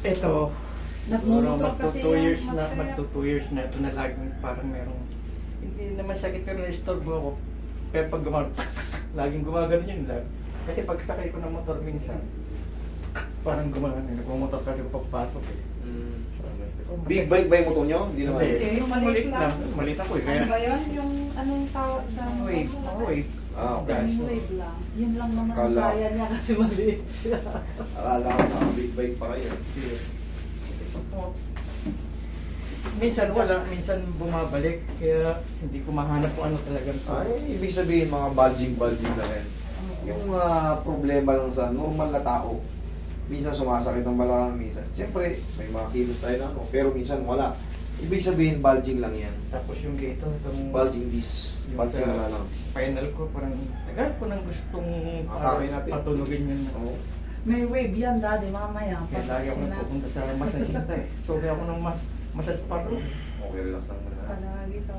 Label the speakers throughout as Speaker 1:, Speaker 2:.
Speaker 1: Ito, siguro
Speaker 2: Nagmumotor kasi
Speaker 1: magto 2
Speaker 2: yan,
Speaker 1: years na,
Speaker 2: masaya.
Speaker 1: magto 2 years na ito na laging parang merong, hindi naman sakit pero na-istorbo ako. Pero pag laging gumagano yun lang. Kasi pag sakay ko ng motor minsan, parang gumagano, nagmumotor kasi papasok eh.
Speaker 3: Big bike ba yung motor nyo? Hindi naman.
Speaker 1: Hindi,
Speaker 2: Yung
Speaker 1: yung
Speaker 2: maliit
Speaker 1: maliit
Speaker 2: lang.
Speaker 1: lang. Maliit ako eh. Kaya,
Speaker 2: Ano ba yun? Yung anong tawag sa...
Speaker 1: wave, wave.
Speaker 3: Ah, okay.
Speaker 2: Yung wave lang. Yun lang naman ang
Speaker 3: Kala-
Speaker 2: kaya niya kasi maliit siya.
Speaker 3: Akala ko na big bike pa kayo.
Speaker 1: Minsan wala, minsan bumabalik. Kaya hindi ko mahanap kung ano talagang
Speaker 3: Ay, ibig sabihin mga bulging na rin. Yung problema lang sa normal na tao. Minsan sumasakit ang balakang, minsan. Siyempre, may mga kilos tayo na ano, pero minsan wala. Ibig sabihin, bulging lang yan.
Speaker 1: Tapos yung dito, itong
Speaker 3: Bulging disc.
Speaker 1: yung
Speaker 3: Bulging
Speaker 1: sa
Speaker 3: na lang.
Speaker 1: spinal ko, parang tagal ko nang gustong
Speaker 3: Atake natin.
Speaker 1: patulugin yun.
Speaker 3: Oo.
Speaker 2: May wave yan, daddy, mamaya.
Speaker 1: Kaya lagi ako nagpupunta sa masajista eh. So, kaya ako ng massage pa rin.
Speaker 3: Okay, relax lang muna.
Speaker 2: Palagi sa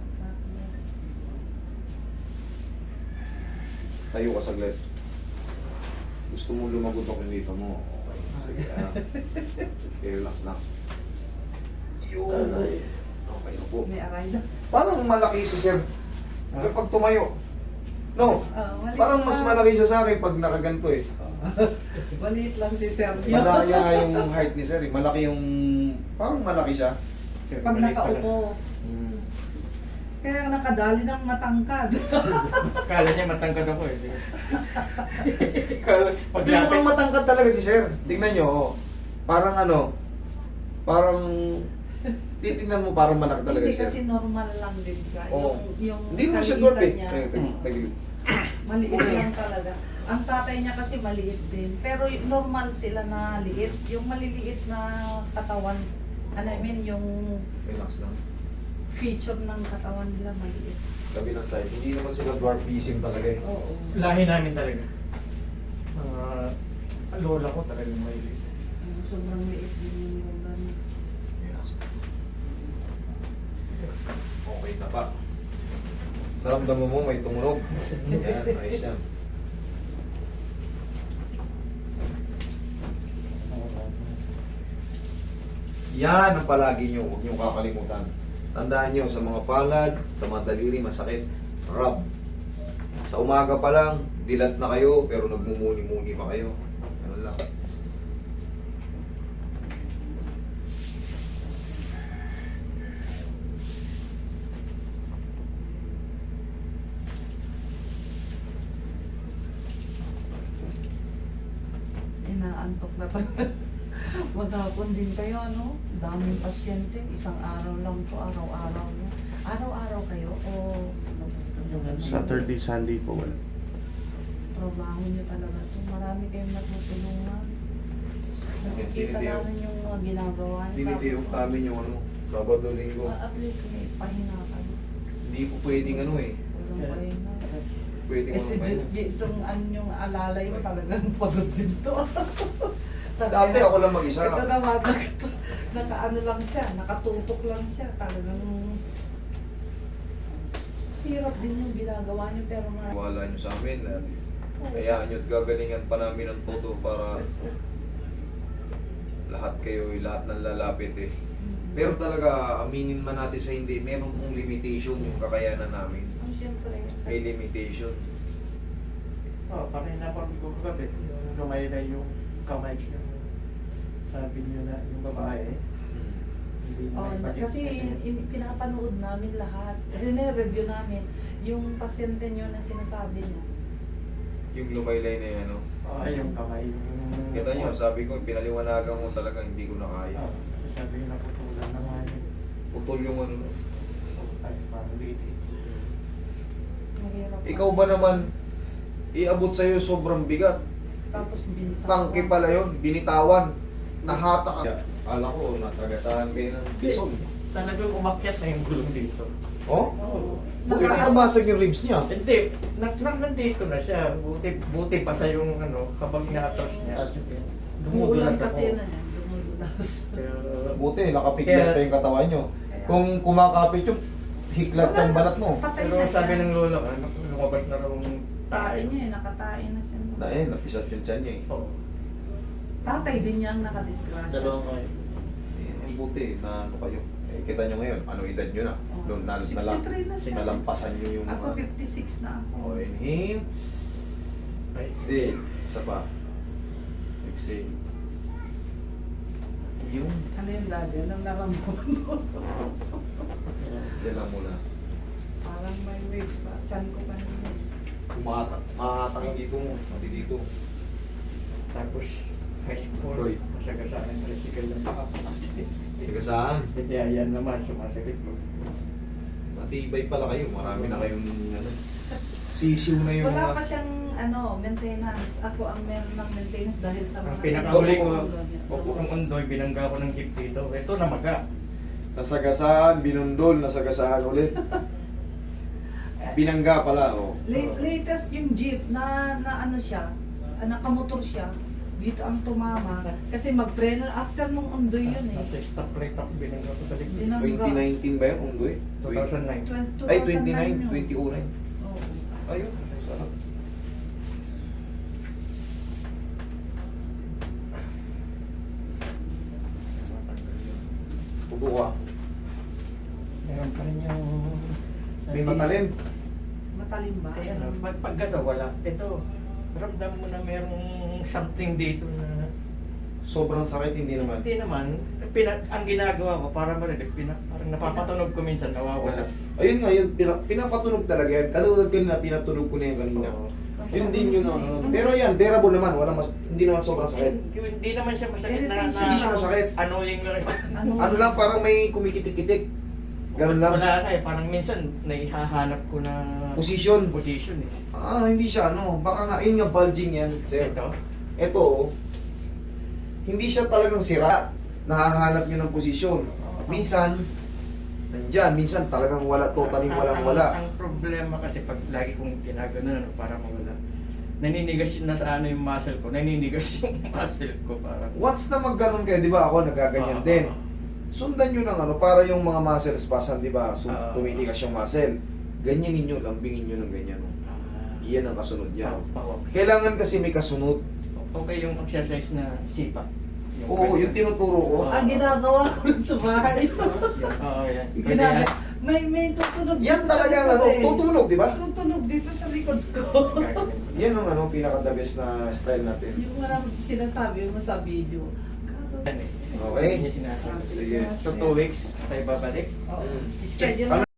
Speaker 3: Tayo ka saglit. Gusto mo lumagotok yung dito mo. Okay. Sige. Okay, relax lang. Yun. Okay na po.
Speaker 2: May aray na.
Speaker 3: Parang malaki si Sir kapag tumayo. No?
Speaker 2: Maliit
Speaker 3: Parang mas
Speaker 2: lang.
Speaker 3: malaki siya sa akin pag nakaganto eh.
Speaker 2: Maliit lang si Sergio.
Speaker 3: Malaki yung height ni Sir eh. Malaki yung... Parang malaki siya.
Speaker 1: Pero
Speaker 2: Pag
Speaker 1: maliit pala.
Speaker 2: nakaupo. Kaya nakadali ng matangkad.
Speaker 1: Kala niya matangkad ako eh.
Speaker 3: Hindi mukhang matangkad talaga si Sir. Tingnan nyo. Oh. Parang ano, parang titingnan mo parang malaki talaga
Speaker 2: Hindi
Speaker 3: si Sir.
Speaker 2: kasi normal lang din siya.
Speaker 3: Oo.
Speaker 2: Yung
Speaker 3: Hindi naman siya
Speaker 2: kaliitan
Speaker 3: dwarf eh.
Speaker 2: niya,
Speaker 3: Tagilid.
Speaker 2: maliit lang talaga. Ang tatay niya kasi maliit din. Pero normal sila na liit. Yung maliliit na katawan, ano I mean, yung
Speaker 3: Relax lang.
Speaker 2: feature ng katawan nila maliit.
Speaker 3: Kabilang side. Hindi naman sila dwarfism talaga eh.
Speaker 2: Oo.
Speaker 1: Lahi namin talaga. Lola ko talaga may
Speaker 2: Sobrang liit din yung lola niya.
Speaker 3: Relax lang. Okay na pa. Naramdaman mo may tumunog. Yan, ayos yan. Yan ang palagi nyo, huwag nyo kakalimutan. Tandaan nyo, sa mga palad, sa mga daliri, masakit, rub. Sa umaga pa lang, dilat na kayo, pero nagmumuni-muni pa kayo. Ano lang.
Speaker 2: Inaantok na pa. Maghapon din kayo, ano? Daming pasyente. Isang araw lang po, araw-araw na. Araw-araw kayo o
Speaker 4: Saturday, Sunday po wala.
Speaker 2: trabaho niyo talaga to. Marami kayong natutulungan. Nakikita
Speaker 3: Tinitiyo.
Speaker 2: namin yung mga ginagawa niyo.
Speaker 3: Tinitiyok namin yung ano, Sabado, Linggo.
Speaker 2: At least may pahinga kayo.
Speaker 3: Hindi po pwedeng ano eh.
Speaker 2: Walang pahinga.
Speaker 3: Pwedeng
Speaker 2: Kasi
Speaker 3: ano pa yun.
Speaker 2: itong ano yung alalay mo talagang pagod din to.
Speaker 3: Dati ako lang mag-isa.
Speaker 2: Ito naman, naka-ano lang siya, nakatutok lang siya. Talagang hirap din yung ginagawa niyo pero nga.
Speaker 3: Wala nyo sa amin. Hayaan nyo at gagalingan pa namin ng todo para lahat kayo, lahat ng lalapit eh. Pero talaga, aminin man natin sa hindi, meron pong limitation yung kakayanan namin.
Speaker 2: Oh, siyempre.
Speaker 3: May limitation.
Speaker 1: kanina pa ko kagabi, yung lumaylay yung kamay niya. Sabi niyo na yung babae, hindi
Speaker 2: Oh,
Speaker 1: may bakit
Speaker 2: kasi pinapanood namin lahat. Rine-review namin yung pasyente niyo na sinasabi niya.
Speaker 3: Yung lumaylay na yan, ano.
Speaker 1: Ay, yung kamay. Yung,
Speaker 3: Kita nyo, sabi ko, pinaliwanagan mo talaga, hindi ko na kaya.
Speaker 1: Kasi sabi niyo naputulan na nga yun.
Speaker 3: Putol yung ano.
Speaker 1: Ay, parang lady.
Speaker 2: Mahirap.
Speaker 3: Ikaw ba naman, iabot sa'yo sobrang bigat.
Speaker 2: Tapos binitawan.
Speaker 3: Tangke pala yun, binitawan. Nahata ka. Kala ko, nasagasahan kayo ng bison.
Speaker 1: Talagang umakyat na yung gulong dito.
Speaker 3: Oh?
Speaker 2: Oo.
Speaker 3: Bakit nakabasag yung ribs niya?
Speaker 1: Hindi, nandito na siya. Buti pa sa yung ano, kapag na-atras niya.
Speaker 2: Umuulan
Speaker 1: Dumudulas
Speaker 2: kasi
Speaker 1: ako.
Speaker 2: na yan. Dumudulas.
Speaker 1: Pero,
Speaker 3: Buti, nakapiglas
Speaker 1: Kaya-
Speaker 3: pa yung katawan nyo. Kung kumakapit yung hiklat siyang balat mo.
Speaker 2: Patay
Speaker 1: pero
Speaker 2: na
Speaker 1: sabi
Speaker 2: siya.
Speaker 1: ng lola ko, lumabas na raw yung
Speaker 2: Tae niya eh, nakatae na siya.
Speaker 3: Dahil, napisat yung tiyan niya eh.
Speaker 1: Oo.
Speaker 2: Tatay din niya ang nakadisgrasya.
Speaker 5: Dalawang kayo.
Speaker 3: Ang buti na ano kayo. Eh, kita nyo ngayon, anong edad nyo na?
Speaker 2: Oh.
Speaker 3: Na,
Speaker 2: 63 na siya.
Speaker 3: nalampasan nyo yung
Speaker 2: Ako 56 na ako.
Speaker 3: O, inhale. Exhale. Isa pa. Exhale.
Speaker 1: Yung
Speaker 2: Ano yung daddy? Anong naramdaman mo?
Speaker 3: Yan lang muna.
Speaker 2: Parang may waves sa chan ko kanina.
Speaker 3: Mahatak dito mo. Mati dito.
Speaker 1: tapos high school,
Speaker 3: Roy.
Speaker 1: masagasaan ng tricycle ng paa.
Speaker 3: Sige saan?
Speaker 1: Kaya yan naman, sumasakit mo.
Speaker 3: Matibay pala kayo. Marami na kayong ano. Sisiw na yung
Speaker 2: Wala
Speaker 3: mga...
Speaker 2: pa siyang maintenance. Ako ang meron ng maintenance dahil sa
Speaker 1: Ang
Speaker 2: mga...
Speaker 1: pinakahuli ko,
Speaker 2: Opo.
Speaker 1: upo kong undoy, binangga ko ng jeep dito. Ito namaga.
Speaker 3: Nasagasaan, binundol, nasagasaan ulit. Binangga pala, oh.
Speaker 2: Latest yung jeep na ano siya, nakamotor siya. Dito ang tumama. Kasi mag-trainer after nung undoy yun eh.
Speaker 1: Nasa stop light ako, binangga ko sa likod.
Speaker 2: Binangga.
Speaker 3: 2019 ba yun, Unggoy?
Speaker 1: 2009.
Speaker 3: Ay,
Speaker 2: 2009
Speaker 3: 29, 2009.
Speaker 2: Oo.
Speaker 3: Ayun, sarap. Pugo ka.
Speaker 1: Meron pa rin yung...
Speaker 3: May matalim.
Speaker 2: Matalim ba?
Speaker 1: Kaya no, pag gato, wala. Ito, ramdam mo na merong something dito na...
Speaker 3: Sobrang sakit, hindi naman.
Speaker 1: Hindi naman. Ang ginagawa ko para marinig, parang napapatunog ko minsan, nawawala.
Speaker 3: Ayun nga, yun, pinapatunog talaga yan. Katulad kanina, pinatunog ko na yan kanina.
Speaker 1: Oo.
Speaker 3: Yun din yun, ano. Pero yan, bearable naman. Hindi naman sobrang sakit.
Speaker 1: Hindi naman siya masakit na...
Speaker 2: Hindi
Speaker 3: siya masakit.
Speaker 1: Annoying lang.
Speaker 3: Ano lang, parang may kumikitik-kitik. Ganun lang.
Speaker 1: Wala ka eh. Parang minsan, naihahanap ko na...
Speaker 3: Position.
Speaker 1: Position eh.
Speaker 3: Hindi siya, ano. Baka nga, yun nga, bulging yan. Sir. Ito, oh, hindi siya talagang sira. Nahahanap niyo ng posisyon. Minsan, nandyan. Minsan talagang wala, totally walang wala.
Speaker 1: Ang problema kasi pag lagi kong ginagano para mawala. Naninigas na sa ano yung muscle ko. Naninigas yung muscle ko parang.
Speaker 3: Once na magganon kayo, di ba ako nagaganyan din. Sundan nyo ng ano, para yung mga muscle spasm, di ba? So, tumitigas yung muscle. Ganyan ninyo, lambingin nyo ng ganyan. Oh. Iyan ang kasunod niya. Kailangan kasi may kasunod.
Speaker 1: Okay yung exercise na sipa.
Speaker 3: Oo, yung tinuturo ko.
Speaker 2: Ang ginagawa ko rin sa bahay.
Speaker 1: Oo, yan. Pwede
Speaker 2: Ginagawa.
Speaker 1: yan.
Speaker 2: May tutunog
Speaker 3: Yan
Speaker 2: dito sa
Speaker 3: talaga
Speaker 2: likod
Speaker 3: ano,
Speaker 2: eh.
Speaker 3: tutunog, di ba?
Speaker 2: Tutunog dito sa likod ko.
Speaker 3: Yan ang ano, pinaka-the best na style natin.
Speaker 2: Yung mga sinasabi mo sa video.
Speaker 1: Yan eh.
Speaker 3: Okay?
Speaker 1: Yan yung sinasabi.
Speaker 3: Sige.
Speaker 1: So 2 weeks tayo babalik.
Speaker 2: Oo.
Speaker 3: Mm.
Speaker 2: Schedule
Speaker 3: Ano